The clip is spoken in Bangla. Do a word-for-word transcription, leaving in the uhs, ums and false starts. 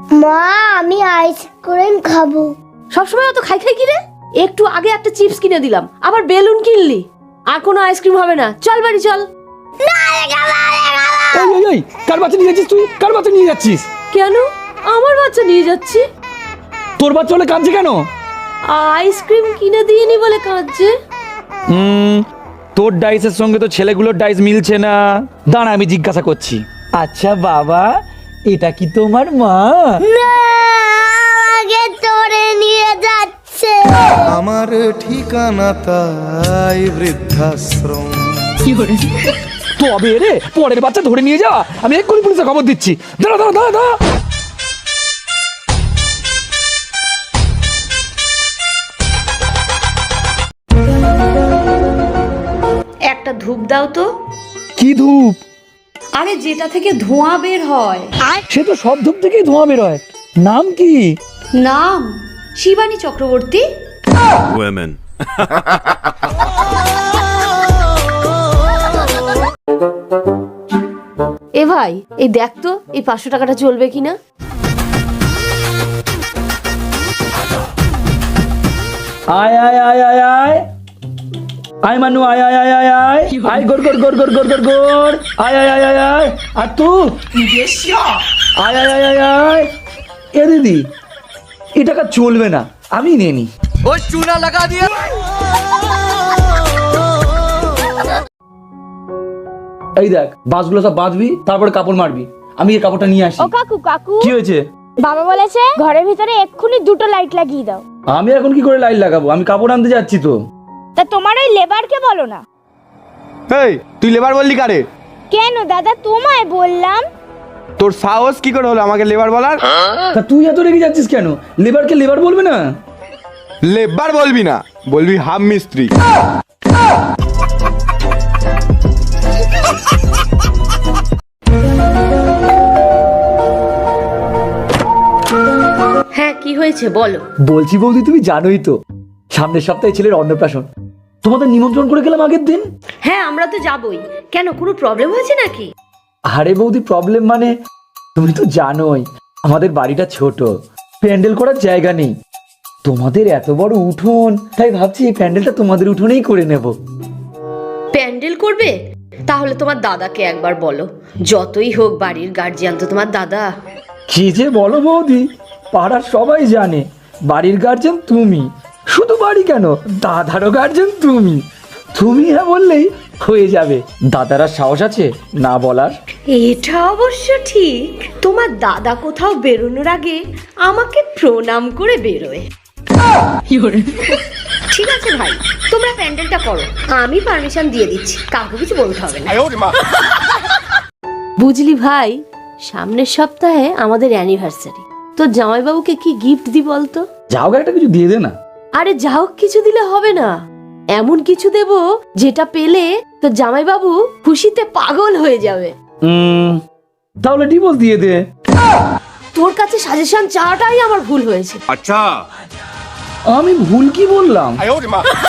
মা আমি আইসক্রিম খাবো। সবসময় অত খাই খাই কি রে? একটু আগে একটা চিপস কিনে দিলাম, আবার বেলুন কিনলি। আর কোনো আইসক্রিম হবে না, চল বাড়ি চল। এই এই এই কার বাচ্চা নিয়ে যাচ্ছিস তুই? কার বাচ্চা নিয়ে যাচ্ছিস? কেন আমার বাচ্চা নিয়ে যাচ্ছি? তোর বাচ্চা হলে কাঁদছে কেন? আইসক্রিম কিনে দিইনি বলে কাঁদছে। হুম, তোর ডাইসের সঙ্গে তো ছেলেগুলোর ডাইস মিলছে না। দাঁড়া আমি জিজ্ঞাসা করছি। আচ্ছা বাবা, এটা কি তোমার মা? না, আগে তোরে নিয়ে যাচ্ছে। আমার ঠিকানা তাই বৃদ্ধাশ্রম। তবে রে পরের বাচ্চা ধরে নিয়ে যাওয়া, আমি এক্ষুনি পুলিশে খবর দিচ্ছি। দাঁড়া দাঁড়া দাঁড়া দাঁড়া। একটা ধূপ দাও তো। কি ধূপ? আরে যেটা থেকে ধোঁয়া বের হয়। সে তো সব ধূপ থেকেই ধোঁয়া বের হয়। নাম কি? নাম শিবানী চক্রবর্তী। Women. এ ভাই এই দেখ তো এই পাঁচশো টাকাটা চলবে কিনা। আয় আয় আয় আয় আয় আয় মানু আয় আয় আয় আয় আয় আয় গোর গোর গোর গোর গোর গোর গোর আয় আয় আয় আয় আয় আর তু আয় আয় আয় আয় আয়। এ দিদি এ টাকা চলবে না, আমি নিয়ে নি। ওই চুনা লাগা দিয়া। এই দেখ বাসগুলো সব বাঁধবি, তারপরে কাপড় মারবি। আমি এই কাপড়টা নিয়ে আসি। ও কাকু কাকু, কি হয়েছে? বাবা বলেছে ঘরের ভিতরে এক্ষুনি দুটো লাইট লাগিয়ে দাও। আমি এখন কি করে লাইট লাগাবো? আমি কাপড় আনতে যাচ্ছি তো। তা তোমার ওই লেবারকে বলো না। এই তুই লেবার বললি কারে? কেন দাদা, তোমায় বললাম। তোর সাহস কি করে হলো আমাকে লেবার বলার? তা তুই এত রেগে যাচ্ছিস কেন? লেবারকে লেবার বলবে না? লেবার বলবি না, বলবি হাম মিস্ত্রি। হ্যাঁ কি হয়েছে বলো। বলছি বৌদি, তুমি জানোই তো সামনের সপ্তাহে ছেলের অন্নপ্রাশন। তোমাদের নিমন্ত্রণ করে গেলাম আগের দিন। হ্যাঁ আমরা তো যাবই। কেন কোনো প্রবলেম হয়েছে নাকি? আরে বৌদি প্রবলেম মানে তুমি তো জানোই আমাদের বাড়িটা ছোট, প্যান্ডেল করার জায়গা নেই। তোমাদের এত বড় উঠোন, তাই ভাবছি এই প্যান্ডেলটা তোমাদের উঠোনেই করে নেব। প্যান্ডেল করবে? তাহলে তোমার দাদাকে একবার বলো। যতই হোক বাড়ির গার্জিয়ান তো তোমার দাদা। কি যে বলো বৌদি, পাড়ার সবাই জানে বাড়ির গার্জেন তুমি। শুধু বাড়ি কেন, দাদারও গার্জেন তুমি। তুমি হ্যাঁ বললেই হয়ে যাবে। দাদারা সাহস আছে না বলার? এটা অবশ্য ঠিক। তোমার দাদা কোথাও বেরোনোর আগে আমাকে প্রণাম করে বেরোয়। ঠিক আছে ভাই, তোমরা প্যান্ডেলটা করো, আমি পারমিশন দিয়ে দিচ্ছি, কাউকে কিছু বলতে হবে না। বুঝলি ভাই, সামনের সপ্তাহে আমাদের অ্যানিভার্সারি। তো জামাইবাবুকে কি গিফট দি বলতো? যাও একটা কিছু দিয়ে দে না। আরে যাও কিছু দিলে হবে না, এমন কিছু দেব যেটা পেলে তো জামাইবাবু খুশিতে পাগল হয়ে যাবে। উম, তাহলে ডিভোর্স দিয়ে দে। তোর কাছে সাজেশন চাওয়াটাই আমার ভুল হয়েছে। अच्छा আমি ভুল কি বললাম?